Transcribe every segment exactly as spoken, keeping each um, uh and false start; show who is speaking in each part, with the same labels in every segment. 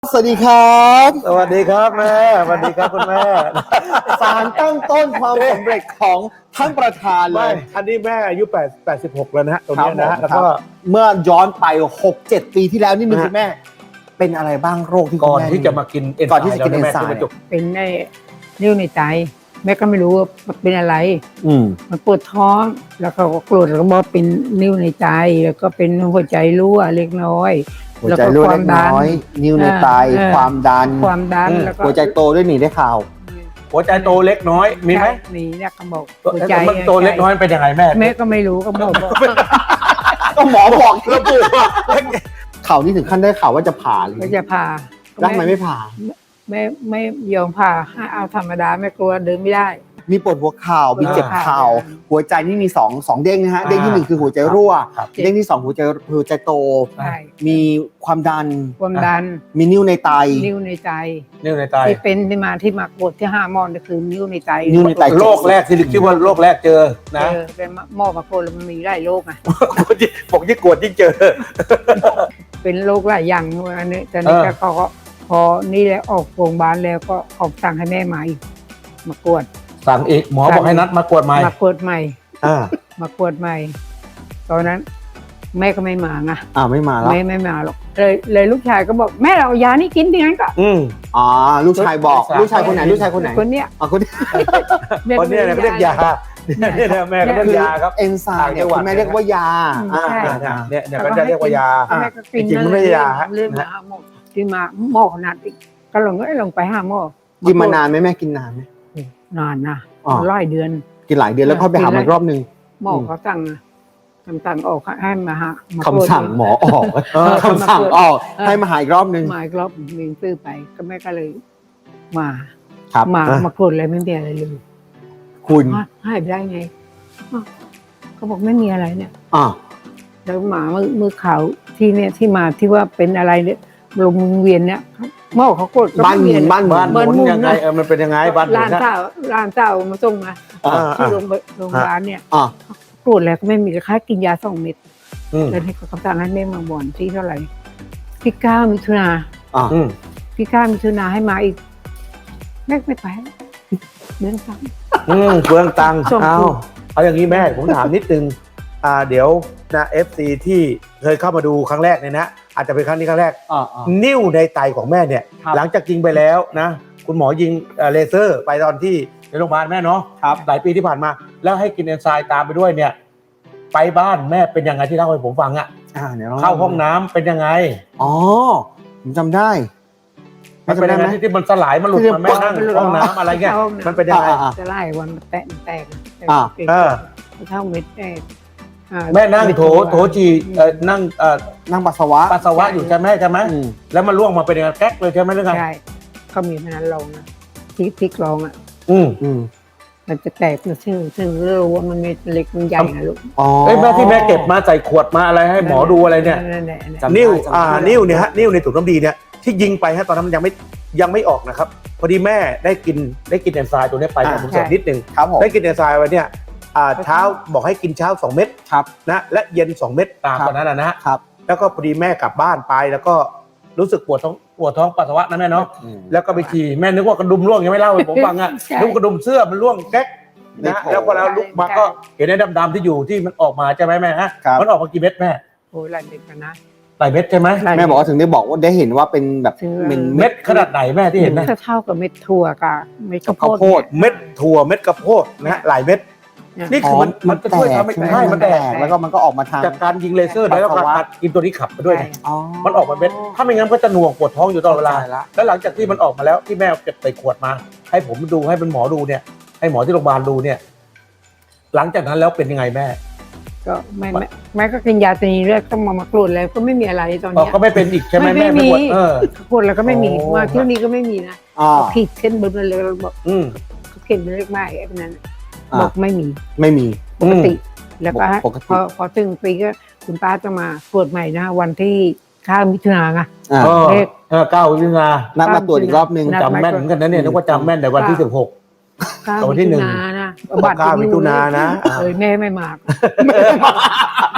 Speaker 1: สวัสดีครับ
Speaker 2: สวัสดีครับแม่สวัสดีครับคุณแม่
Speaker 1: สารตั้งต้นความสำเร็จของท่านประธานเล
Speaker 2: ไม่
Speaker 1: ย
Speaker 2: อันนี้แม่อายุแปด แปดสิบหกแล้วนะฮะตรงนี้นะฮะ
Speaker 1: ค
Speaker 2: แล้
Speaker 1: รับ
Speaker 2: วก็
Speaker 1: เมื่อย้อนไป หกเจ็ด ปีที่แล้วนี่นึง
Speaker 2: ฮะ
Speaker 1: คุณแม่ เป็นอะไรบ้างโรคที่คุ
Speaker 2: ก่
Speaker 1: ณ
Speaker 2: อน
Speaker 1: แม่
Speaker 2: ที่จะมากินเอนไซม์
Speaker 1: ก่อนที่จะกิน
Speaker 2: แล้ว
Speaker 1: เอนไซม์
Speaker 2: แม่ที่มาจบ
Speaker 3: เป็นไอ้นิ้วในใจแม่ก็ไม่รู้ว่าเป็นอะไร
Speaker 1: อืม
Speaker 3: มันปวดท้องแล้วเขาก็กรดแล้วก็บอกเป็นนิ้วในใจ แล้วก็เป็นหัวใจรั่วเล็กน้อย
Speaker 1: หัวใจรั่วเล็กน้อย นิ้วในไต
Speaker 3: เออ
Speaker 1: ความดัน
Speaker 3: ความดัน
Speaker 2: อืม
Speaker 3: แล้วก็
Speaker 1: หัวใจโตด้วยนี่ได้ข่าว
Speaker 2: หัวใจโตเล็กน้อยมีไหม
Speaker 3: ใช่มีเนี่ยเขาบอกหัวใจ
Speaker 2: มันโตเล็กน้อยเป็นยังไงแม่
Speaker 3: แม่ก็ไม่รู้ก็บอกว่า
Speaker 1: ก็หมอบอกระบุว่าข่าวนี้ถึงขั้นได้ข่าวว่าจะผ่าเลย
Speaker 3: ก็จะผ่า
Speaker 1: แล้วทำไมไม่ผ่า
Speaker 3: ไม่ไม่ยอมผ่าให้เอาธรรมดาแม่กลัวเดินไม่ได้
Speaker 1: มีปวดหัวเข่ามีเจ็บเข่า
Speaker 3: อ่า
Speaker 1: หัวใจนี่มีสองสองเด้งนะฮะ
Speaker 2: อ่า
Speaker 1: เด้งที่หนึ่งคือหัวใจรั่ว
Speaker 2: ครับ
Speaker 1: เด้งที่สองหัวใจหัวใจโต
Speaker 3: ใช่
Speaker 1: มีความดัน
Speaker 3: ความดัน
Speaker 1: มีนิ้วในไต
Speaker 3: นิ้วในใจ
Speaker 2: นิ้วในไต
Speaker 3: ที่เป็นที่มาที่มาปวดที่ห้ามอนก็คือนิ้วในใจ
Speaker 1: นิ้วในไต
Speaker 2: โรคแรกที่คิดว่าโรคแรกเจอนะ
Speaker 3: เออเป็นหม้อมาโคนแล้วมันมีหลายโรคอ่ะ
Speaker 2: บอกยิ่งกวดยิ่งเจอ
Speaker 3: เป็นโรคหลายอย่างอันนี้แต่นี่
Speaker 2: เออ
Speaker 3: ก็ก็พอนี่แล้วออกโรงพยาบาลแล้วก็ออกสั่งให้แม่มาอีกมากวด
Speaker 2: สั่งอีกหมอบอกให้นัดมากวดใหม่
Speaker 3: มากวดใหม่
Speaker 2: อ่า
Speaker 3: มากวดใหม่ ตอนนั้น แม่ก็ไม่มาไง
Speaker 1: อ่าไม่มาแล้ว
Speaker 3: แม่ไม่มาหรอกเลยเลยลูกชายก็บอกแม่เราเอายานี่กินที่งั้นก็
Speaker 2: อืม
Speaker 1: อ๋อลูกชายบอก
Speaker 2: ลู
Speaker 1: ลู
Speaker 2: ก
Speaker 1: ก
Speaker 2: ชา
Speaker 1: ชาย ยคนไหนลูกชายคนไหน
Speaker 3: คนเนี้ย
Speaker 1: อ๋อคนนี้
Speaker 2: คนเนี้เขาเรียกยาเนี่ยเนี่ยแม่ก็เรียกยาครับ
Speaker 1: เอนไซม์เนี่ยคุณแม่เรียกว่ายา
Speaker 3: อืมใช่
Speaker 1: อ่า
Speaker 2: เนี่ยเนี่ยเนี่ยก็จะเรียกว่ายา
Speaker 3: แม่ก็กิน
Speaker 2: จริงๆมันไม่ใช่ยาฮะ
Speaker 3: เรื่องมาหาหมอที่มาหมอขนาดอีกก็ลงก็ลงไปหาหมอ
Speaker 1: กินมานานไหมแม่กินนานไหม
Speaker 3: นานนะ
Speaker 1: อ๋อ
Speaker 3: หลายเดือน
Speaker 1: กินหลายเดือนแล้วค่อยไปหาหมออีกรอบนึง
Speaker 3: หมอเขาสั่งนะคำสั่งออกให้มาหามา
Speaker 1: คำสั่งหมอออก
Speaker 2: เออ
Speaker 1: คำสั่งออกให้มาหาอีกรอบนึง
Speaker 3: มาอีกรอบมีซื้อไปก็แม่ก็เลย มา
Speaker 1: ครับ
Speaker 3: มา
Speaker 2: อ่ะ
Speaker 3: มาตรวจอะไรไม่มีอะไรเลย
Speaker 1: คุณ
Speaker 3: ฮะหายไปได้ไงอ้าวเขาบอกไม่มีอะไรเนี่ย
Speaker 1: อ่า
Speaker 3: แล้วหมามือมือขาวที่เนี่ยที่มาที่ว่าเป็นอะไรเนี่ยลงเวียนเนี่ยหมอเขากดก็
Speaker 1: บ้าน
Speaker 3: ไม่
Speaker 1: ห
Speaker 3: มี
Speaker 1: มุน
Speaker 3: อะไร
Speaker 1: บ้านหมุ
Speaker 2: บ้าน
Speaker 1: น
Speaker 2: ห
Speaker 3: บ้าน
Speaker 2: มุน
Speaker 3: หมุน
Speaker 2: ยังไง
Speaker 3: นะ
Speaker 2: เออมันเป็นยังไงบ้านหมุ
Speaker 3: ร้าน น
Speaker 2: นะ
Speaker 3: เจ้าร้านเจ้ามาส่งมา
Speaker 1: อ่า
Speaker 3: ที่โรงพยาบาลโรงพยาบาลเนี่ย
Speaker 1: อ่า
Speaker 3: ตรวจแล้วก็ไม่มีค่ากินยาสองเม็ด
Speaker 2: อืม
Speaker 3: แล้วให้เขาคำสั่งให้แม่มาบ่อนที่เท่าไหร่ที่เก้ามิถุนา
Speaker 1: อ่า
Speaker 2: อืม
Speaker 3: ที่เก้ามิถุนาให้มาอีกแม่ไม่ไปเดินซ้ำ
Speaker 2: อืมเปลืองตังค์
Speaker 3: ส่ง
Speaker 2: เอา
Speaker 3: ถูก
Speaker 2: เอาอย่างนี้แม่ผมถามนิดนึงอ่าเดี๋ยวนะ เอฟ ซี ที่เคยเข้ามาดูครั้งแรกเนี่ยนะอาจจะเป็นครั้งนี้ครั้งแรก
Speaker 1: อ่าอ่า
Speaker 2: นิ้วในไตของแม่เนี่ย
Speaker 1: ครับ
Speaker 2: หลังจากยิงไปแล้วนะ คุณหมอยิงเอ่อเลเซอร์ไปตอนที่ในโรงพยาบาลแม่เนาะ
Speaker 1: ครับ
Speaker 2: หลายปีที่ผ่านมา แล้วให้กินเอนไซม์ตามไปด้วยเนี่ย ไปบ้านแม่เป็นยังไงที่เล่าให้ผมฟังอะ
Speaker 1: อ่าเดี๋ยวล
Speaker 2: เข้าห้องน้ำเป็นยังไง
Speaker 1: อ๋อผมจำได้
Speaker 2: มันเป็นยังไงที่ที่มันสลายมันหลุด
Speaker 1: ที่
Speaker 2: มันแม่นั่ง
Speaker 3: มันหลุด
Speaker 2: ห้องน้ำอะไรเงี้ย
Speaker 3: เข้าห้องน้ำ
Speaker 2: มันเป็นยังไง
Speaker 1: อ่าอ่า
Speaker 3: จะไล่วันแตกแตก
Speaker 1: อ่า
Speaker 2: เออ
Speaker 3: เท่าเม็ดแตกอ่า
Speaker 2: แม่นั่งโถโถจีเอ่อนั่งเอ่อ
Speaker 1: นั่งปัสสาวะ
Speaker 2: ปัสสาวะอยู่ใช่ไหมใช่ไหม
Speaker 1: อืม
Speaker 2: แล้วมันล่วงมาเป็นยังไงแก๊กเลยใช่ไหมหรือไง
Speaker 3: ใช่เขามีพนันลองนะที่ที่กรองอ่ะ
Speaker 2: อืม
Speaker 1: อืม
Speaker 3: มันจะแตกมันซึ่งซึ่งรู้ว่ามันเม็ดเล็กมันใหญ่นะลูก
Speaker 1: อ๋อ
Speaker 2: เอ้ยแม่ที่แม่เก็บมาใส่ขวดมาอะไรให้หมอดูอะไรเนี่ย
Speaker 3: นั่นแหละนั่นแหละ
Speaker 1: จำ
Speaker 2: นิ้ว
Speaker 1: ได้จำได้
Speaker 2: อ่านิ้วเนี่ยฮะนิ้วในถุงน้ำดีเนี่ยที่ยิงไปฮะตอนนั้นมันยังไม่ยังไม่ออกนะครับพอดีแม่ได้กินได้กินเอนไซม์ตัวนี้ไป
Speaker 1: อ่า
Speaker 2: ผมเสริมนิดนึง
Speaker 1: ครับผม
Speaker 2: ได้กินเอนไซม์ไว้เนี่ยอ่าเช้าบอกให้กินเช้าสองเม็ด
Speaker 1: ครับ
Speaker 2: นะและเย็นสองเม็ดตาม
Speaker 1: ครับ
Speaker 2: ตอนนั้นนะนะฮะ
Speaker 1: ครับ
Speaker 2: แล้วก็พอดีแม่กลับบ้านไปแล้วก็รู้สึกปวดท้องปวดท้องปัสสาวะนะแม่เนาะ
Speaker 1: อืม
Speaker 2: แล้วก็ไปฉี่แม่นึกว่ากระดุมร่วงยังไม่เล่าให้ผมฟังอ่ะ
Speaker 3: ใช่
Speaker 2: นึกว่ากระดุมเสื้อมันร่วงแก๊ก
Speaker 1: ใน
Speaker 2: นะ
Speaker 1: โถ
Speaker 2: แล้วพอเราลุกมาก็เห็นไอ้ดำๆที่อยู่ที่มันออกมาใช่ไหมแม่ฮะ
Speaker 1: ครับ
Speaker 2: มันออกมากี่เม็ดแม่
Speaker 3: โอ้ยหลายเม็ดกันนะ
Speaker 2: หลายเม็ดใช่ไหม
Speaker 3: หลาย
Speaker 1: แม่บอกว่าถึงได้บอกว่าได้เห็นว่าเป็นแบบ
Speaker 3: ถึง
Speaker 1: เป็น
Speaker 2: เม็ดขนาดไหนแม่ที่เห็นนะ
Speaker 3: ก็เท่ากับเม็ดถั่วกับเม็ดข้าว
Speaker 1: ข้าวโพ
Speaker 3: โพ
Speaker 1: ด
Speaker 3: ด
Speaker 2: เม็ดถั่วเม็ดกระโพดนะฮะหลายเม็ด
Speaker 3: เนี่ย
Speaker 2: นี่คือมันมันจะช่วยทำให้
Speaker 1: ใช่ไหม
Speaker 2: ใช่มันแตก
Speaker 1: แล้วก็มันก็ออกมาทาง
Speaker 2: จากการยิงเลเซอร์แล้วก็
Speaker 1: ปัสสาวะ
Speaker 2: การกินตัวนี้ขับไปด้วยนะ
Speaker 1: อ๋อ
Speaker 2: มันออกมาเม็ดถ้าไม่งั้นก็จะหน่วงปวดท้องอยู่ตลอดเวลา
Speaker 1: ข้ใจละ
Speaker 2: แล้วหลังจากที่มันออกมาแล้วที่แม่เก็บใส่ขวดมา ให้ผมดูให้เป็นหมอดูเนี่ย ให้หมอที่โรงพยาบาลดูเนี่ย หลังจากนั้นแล้วเป็นยังไงแม่
Speaker 3: ก็ไม่ไม่แม่ก็กินยาตัวนี้เลือดต้องมามากรูดแล้วก็ไม่มีอะไรตอน
Speaker 2: อ๋อ
Speaker 3: เนี้ย
Speaker 2: ก็ไม่เป็นอีกใช่ไหม
Speaker 3: ไม่
Speaker 2: แม่
Speaker 3: ไม่มี
Speaker 2: ปวดเออ
Speaker 3: กรูดแล้วก็ไม่มี
Speaker 2: โอ้
Speaker 3: ว่าเที่ยวนี้ก็ไม่มีนะ
Speaker 1: อ่า
Speaker 3: ขีดเส้นบนมันเลยบอก
Speaker 2: อืม
Speaker 3: เขาเขียนเป็นเลขไม้ไอ้พวกนั้น
Speaker 1: อ่า
Speaker 3: บอกไม่มี
Speaker 1: ไม่มี
Speaker 3: ปกติ แล้วก็
Speaker 1: ปกติ
Speaker 3: พอพอถึงปีก็คุณป้าจะมาตรวจใหม่นะวันที่ข้าวมิถุนาไง
Speaker 1: อ่า
Speaker 2: เออ
Speaker 3: เลข
Speaker 2: เออเก้าวิทนา
Speaker 1: นัดมาตรวจอีกรอบนึง
Speaker 3: นัด
Speaker 2: จำแม่นเหมือนกันนะเนี่ยนึกว่าจำแม่นแต่วันที่สิบหก
Speaker 3: ข้าว
Speaker 2: วันที่
Speaker 3: มิ
Speaker 2: หนึ่
Speaker 3: ถุ
Speaker 2: ง
Speaker 3: นานะ
Speaker 2: เก้ามิถุนานะ
Speaker 3: เออแม่ไม่มา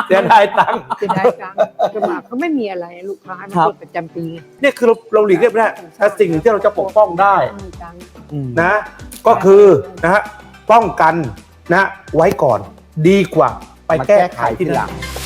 Speaker 2: เสียดายตังค์
Speaker 3: เสียดายตังค์สมัครเขาไม่มีอะไรลูกค้ามัน
Speaker 1: ครับ
Speaker 3: กดประจำปี
Speaker 2: เนี่ยคือเราเราหลีกเลี่ยงไม่ได้แต่สิ่งหนึ่งที่เราจะปกป้องได้
Speaker 3: ไม่มีตังค์
Speaker 2: นะ ก็คือนะฮะป้องกันนะไว้ก่อนดีกว่าไป
Speaker 1: มา
Speaker 2: แก้
Speaker 1: แก้
Speaker 2: ไข
Speaker 1: ไข
Speaker 2: ที่
Speaker 1: ที
Speaker 2: ห
Speaker 1: ห
Speaker 2: ลั
Speaker 1: ลั
Speaker 2: ง
Speaker 1: ง